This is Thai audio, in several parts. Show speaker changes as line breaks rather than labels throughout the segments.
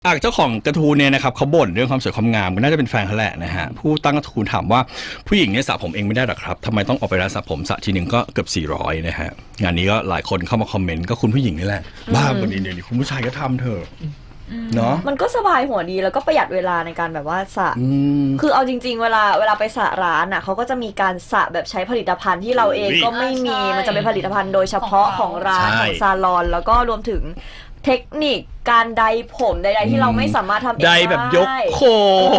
เจ้าของกระทู้เนี่ยนะครับเขาบ่นเรื่องความสวยความงามก็น่าจะเป็นแฟนเขาแหละนะฮะผู้ตั้งกระทู้ถามว่าผู้หญิงเนี่ยสระผมเองไม่ได้หรอครับทำไมต้องออกไปร้านสระผมสระทีหนึ่งก็เกือบ400นะฮะงานนี้ก็หลายคนเข้ามาคอมเมนต์ก็คุณผู้หญิงนี่แหละบ้าบนนี้เดี๋ยวนี้คุณผู้ชายก็ทำเถอะเนาะ
มันก็สบายหัวดีแล้วก็ประหยัดเวลาในการแบบว่าสระคือเอาจริงๆเวลาไปสระร้านอ่ะเขาก็จะมีการสระแบบใช้ผลิตภัณฑ์ที่เราเองก็ไม่มีมันจะเป็นผลิตภัณฑ์โดยเฉพาะของร้านของซาลอนแล้วก็รวมถึงเทคนิคการไดผมใดๆที่เราไม่สามารถทำเองได้
แบบยกโคน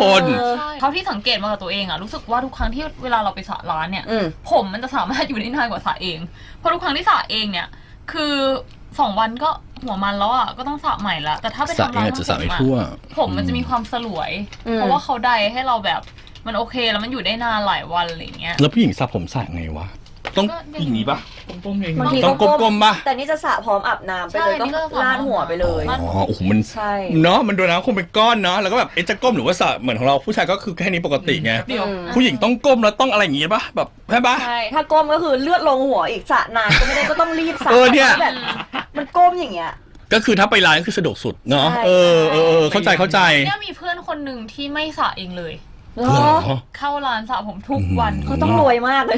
เท่าที่สังเกตมากับตัวเองอะรู้สึกว่าทุกครั้งที่เวลาเราไปสระร้านเนี่ยผมมันจะสามารถอยู่ได้นานกว่าสระเองเพราะทุกครั้งที่สระเองเนี่ยคือ2 วันก็หัวมันแล้วอะก็ต้องสระใหม่ละแต่ถ้าไปทำร้านผมมันจะมีความสลวยเพราะว่าเขาไดให้เราแบบมันโอเคแล้วมันอยู่ได้นานหลายวันอะไรเงี้ย
แล้วผู้หญิงสระผมสระไงวะต้องอย่างนี้ปะ
ก้มเอง
บางทีต้องก้มปะแต่นี่จะสระพร้อมอาบน้ำไปเลยก็ลาดหัวไปเลย
อ๋อโอ้โหมันเนาะมันดูนะคงเป็นก้อนเนาะแล้วก็แบบจะก้มหรือว่าสระเหมือนของเราผู้ชายก็คือแค่นี้ปกติไงผู้หญิงต้องก้มแล้วต้องอะไรอย่างงี้ปะแบบใช่ปะ
ใช่ถ้าก้มก็คือเลือดลงหัวอีกสระนานก็ไม่ได้ก็ต้องรีบสระแบบมันก้มอย่างเงี้ย
ก็คือถ้าไปร้านก็คือสะดวกสุดเนาะเข้าใจ
เนี่ยมีเพื่อนคนหนึ่งที่ไม่สระเองเลยเข้าร้านสระผมทุกวัน
เขาต้องรวยมากเลย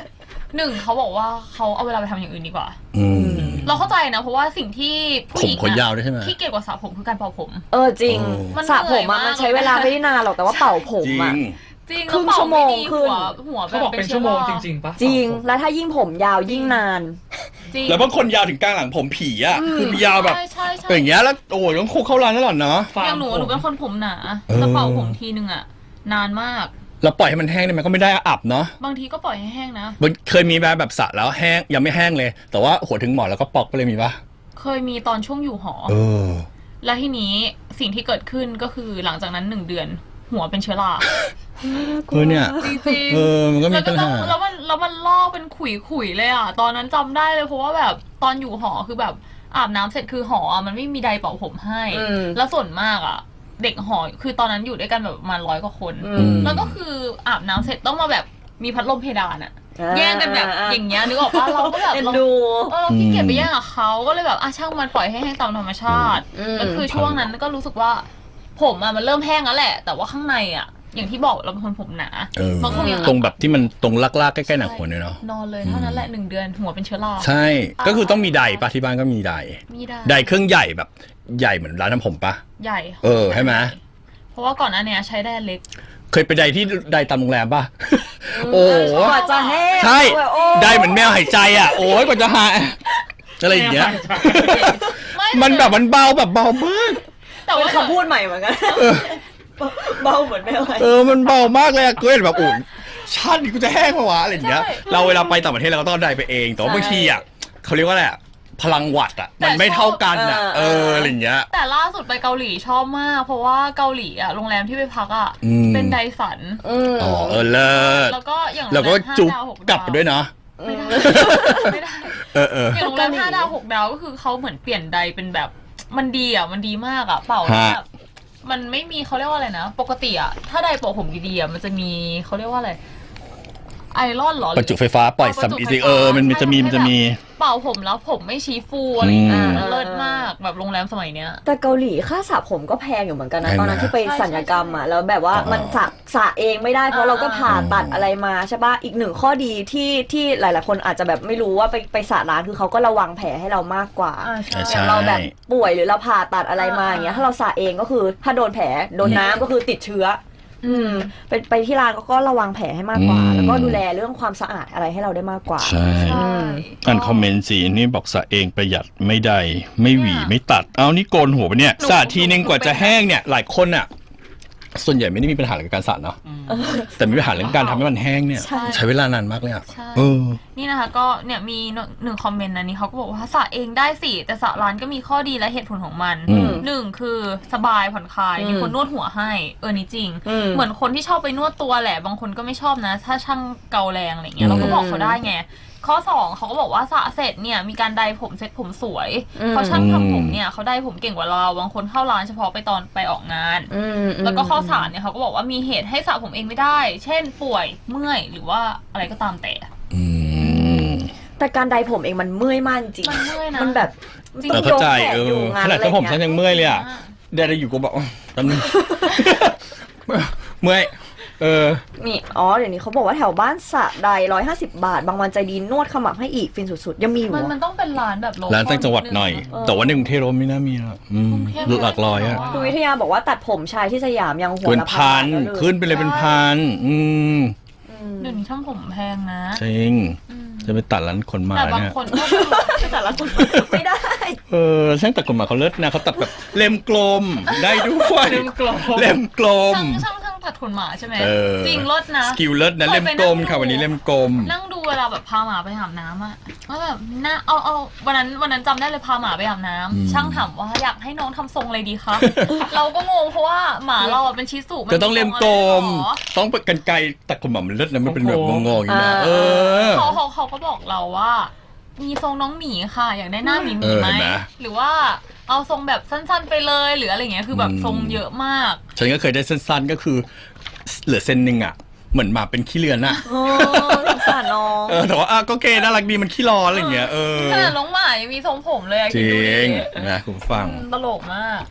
1เขาบอกว่าเขาเอาเวลาไปทำอย่างอื่นดีกว่าเราเข้าใจนะเพราะว่าสิ่งที่ผู้หญิงที่เกี่ยวกับสระผมคือการเป่าผม
จริงสระผมมันใช้เวลาไม่ได้นานหรอกแต่ว่าเป่าผมอ่ะ
จริง
ครึ่งชั่วโมงคือ
หัว
เขาบอกเป็นชั่วโมงจริงๆปะ
จริงแล้วถ้ายิ่งผมยาวยิ่งนาน
แล้วบางคนยาวถึงกลางหลังผมผีอ่ะคือยาวแบบอย่างเงี้ยแล้วโอ้ยต้องคุกเข้าร้านตลอดเนาะ
อย่างหนูเป็นคนผมหนาจะเป่าผมทีนึงอ่ะนานมาก
เราปล่อยให้มันแห้งได้ไหมก็ไม่ได้อับเนาะ
บางทีก็ปล่อยให้แห้งนะ
เคยมีแบบสระแล้วแห้งยังไม่แห้งเลยแต่ว่าหัวถึงหมอนแล้วก็ปอกไปเลยมีปะ
เคยมีตอนช่วงอยู่หอแล้วทีนี้สิ่งที่เกิดขึ้นก็คือหลังจากนั้น1 เดือนหัวเป็นเชื้อรา
เนี่ย
จริง
มันก็มีปัญหา
แล้วมันลอกเป็นขุยเลยอ่ะตอนนั้นจำได้เลยเพราะว่าแบบตอนอยู่หอคือแบบอาบน้ำเสร็จคือหอมันไม่มีไดร์เป่าผมให้แล้วส่วนมากอ่ะเด็กหอคือตอนนั้นอยู่ด้วยกันแบบประมาณ100 กว่าคนแล้วก็คืออาบน้ำเสร็จต้องมาแบบมีพัดลมเพดานอ่ะแย่งกันแบบอย่างเงี้ยนึกออกป่ะเราก็แบบเราขี้เกียจไปแย่งกับเขาก็เลยแบบช่างมันปล่อยให้แห้งตามธรรมชาติแล้วคือช่วงนั้นก็รู้สึกว่าผมมันเริ่มแห้งแล้วแหละแต่ว่าข้างในอย่างที่บอกเราเป็นคนผมหนา
ตรงแบบที่มันตรงลากๆใกล้ๆหนังหัวเนี่ยเนาะ
นอนเลยเท่านั้นแหละ1 เดือนหัวเป็นเชื้อรา
ใช่ก็คือต้องมีไดปะที่บ้านก็มีไดเครื่องใหญ่แบบใหญ่เหมือนร้านทำผมปะ
ใหญ่
ใช่ไหม
เพราะว่าก่อนอันเนี้ยใช้ได้เล็ก
เคยไปไดที่ไดตามโรงแรมป่ะโอ้
กว่าจะแห้ง
ใช่ไดเหมือนแมวหายใจอ่ะโอ้ยกว่าจะหายอะไรอย่างเงี้ยมันแบบมันเบาแบบเบามาก
แต่ว่าคำพูดใหม่เหมือนกันเบาเหมือนแมว
มันเบามากเลยอะกูเห็นแบบอุ่นชาตินี้กูจะแห้งปะวะอะไรอย่างเงี้ยเราเวลาไปต่างประเทศเราก็ต้องไดไปเองแต่ว่าบางทีเขาเรียกว่าอะไรพลังวัตต์มันไม่เท่ากันอะไรอย่างเงี้ย
แต่ล่าสุดไปเกาหลีชอบมากเพราะว่าเกาหลีโรงแรมที่ไปพักเป็นไดสัน
เลิศ
แล้วก็อย่าง
เราก็จุกกลับด้วยเนาะ
ไม่ได้อย่างโรงแรม5 ดาว 6 ดาวก็คือเขาเหมือนเปลี่ยนไดเป็นแบบมันดีมันดีมากเป่าแบบมันไม่มีเขาเรียกว่าอะไรนะปกติถ้าไดเป่าผมดีๆมันจะมีเขาเรียกว่าอะไรไอรอนหรอ
ประจุไฟฟ้าปล่อยซัมอีซิมันจะมี
เป่าผมแล้วผมไม่ชี้ฟูอะไรอย่างเงี้ยเลิศมากแบบโรงแรมสมัยเนี้ย
แต่เกาหลีค่าสระผมก็แพงอยู่เหมือนกันนะตอนนั้นที่ไปศัลยกรรมแล้วแบบว่ามันสระเองไม่ได้เพราะเราก็ผ่าตัดอะไรมาใช่ป่ะอีกหนึ่งข้อดีที่หลายๆคนอาจจะแบบไม่รู้ว่าไปสระร้านคือเขาก็ระวังแผลให้เรามากกว่าอย่างเราแบบป่วยหรือเราผ่าตัดอะไรมาอย่างเงี้ยถ้าเราสระเองก็คือถ้าโดนแผลโดนน้ำก็คือติดเชื้อไปที่ร้านก็ระวังแผลให้มากกว่าแล้วก็ดูแลเรื่องความสะอาดอะไรให้เราได้มากกว่า
ใช่อ่านคอมเมนต์สินี่บอกสระเองประหยัดไม่ได้ไม่หวีไม่ตัดนี่โกนหัวไปเนี่ยสระทีนึงกว่าจะแห้งเนี่ยหลายคนส่วนใหญ่ไม่ได้มีปัญหาเรื่องการสระเนาะแต่มีปัญหาเรื่องการทำให้มันแห้งเนี่ยใช้เวลานานมากเลย
นี่นะคะก็เนี่ยมี1 คอมเมนต์นะนี่เขาก็บอกว่าสระเองได้สิแต่สระร้านก็มีข้อดีและเหตุผลของมัน1คือสบายผ่อนคลายมีคนนวดหัวให้นี่จริงเหมือนคนที่ชอบไปนวดตัวแหละบางคนก็ไม่ชอบนะถ้าช่างเกาแรงอะไรเงี้ยเราก็บอกเขาได้ไงข้อ2เขาก็บอกว่าสระเสร็จเนี่ยมีการไดผมเซ็ตผมสวยเพราะช่างทำผมเนี่ยเขาไดผมเก่งกว่าเราบางคนเข้าร้านเฉพาะไปตอนไปออกงานแล้วก็ข้อ3เนี่ยเขาก็บอกว่ามีเหตุให้สระผมเองไม่ได้เช่นป่วยเมื่อยหรือว่าอะไรก็ตาม
แต่การไดผมเองมันเมื่อยมากจริง
มันเมื่อยนะ
มันแบบ
เข้าใจขนาดผมฉันยังเมื่อยเลยได้อยู่ก็บอกตอนนึง เมื่อย
นี่เดี๋ยวนี้เขาบอกว่าแถวบ้านสระใด150 บาทบางวันใจดีนวดขมับให้อีกฟินสุดๆยังมีอยู่
มันต้องเป็นร้านแบบโลคอล
ร้านตั้งจังหวัดหน่อย แต่ว่าในกรุงเทพไม่น่ามีหรอกหลักร้อยอะ
คุณวิทยาบอกว่าตัดผมชายที่สยามยังหัว
เป็น
ละ
พัน
แล้วเลย
ขึ้นไปเลยเป็นพัน
เดี๋ยวนี้ทำผมแพงนะ
จริงจะไปตัดร้านคนมา
แต่บาง
เนี่ย
คนก็
แต่ละคนไม่ได้
ช่างตัดคนมาเขาเลิศนะเขาตัดแบบเล่มกลมได้ด้วย
เล่มกลม
เล่มกลม
ช่างตัดขนหมาใช่ไหม จริงรถนะ
สกิลเลิศนะเล่มกลมค่ะวันนี้เล่มกลม
นั่งดูเวลาแบบพาหมาไปอาบน้ำอะว่าแบบน่าเอาวันนั้นจำได้เลยพาหมาไปอาบน้ำช่างถามว่าอยากให้น้องทำทรงอะไรดีคะ เราก็งงเพราะว่าหมาเราอะเป็นชิสุมัน
ก็ต้องเล่มกลม
ทรงอะไรหรอ
ต้องเป็นกันไกรตัดขนหมามันเลิศนะมันเป็นแบบงงๆอย่างนี้นะ
เขาก็บอกเราว่า มีทรงน้องหมีค่ะ อยากได้หน้าหมีไหมหรือว่าเอาทรงแบบสั้นๆไปเลยหรืออะไรเงี้ยคือแบบทรงเยอะมาก
ฉันก็เคยได้สั้นๆก็คือเหลือเส้นหนึ่งอ่ะเหมือนหมาเป็นขี้เลือนอ่ะ
สงสารน้อง
แต่ว่าก็เกน่ารักดีมันขี้ร้อนอะไรอย่างเงี้ย
ขนาดน้องหมายังมีทรงผมเลยอะ
จ
คิด
ริ
ดูดิ
งนะคุณฟัง
ตลกมาก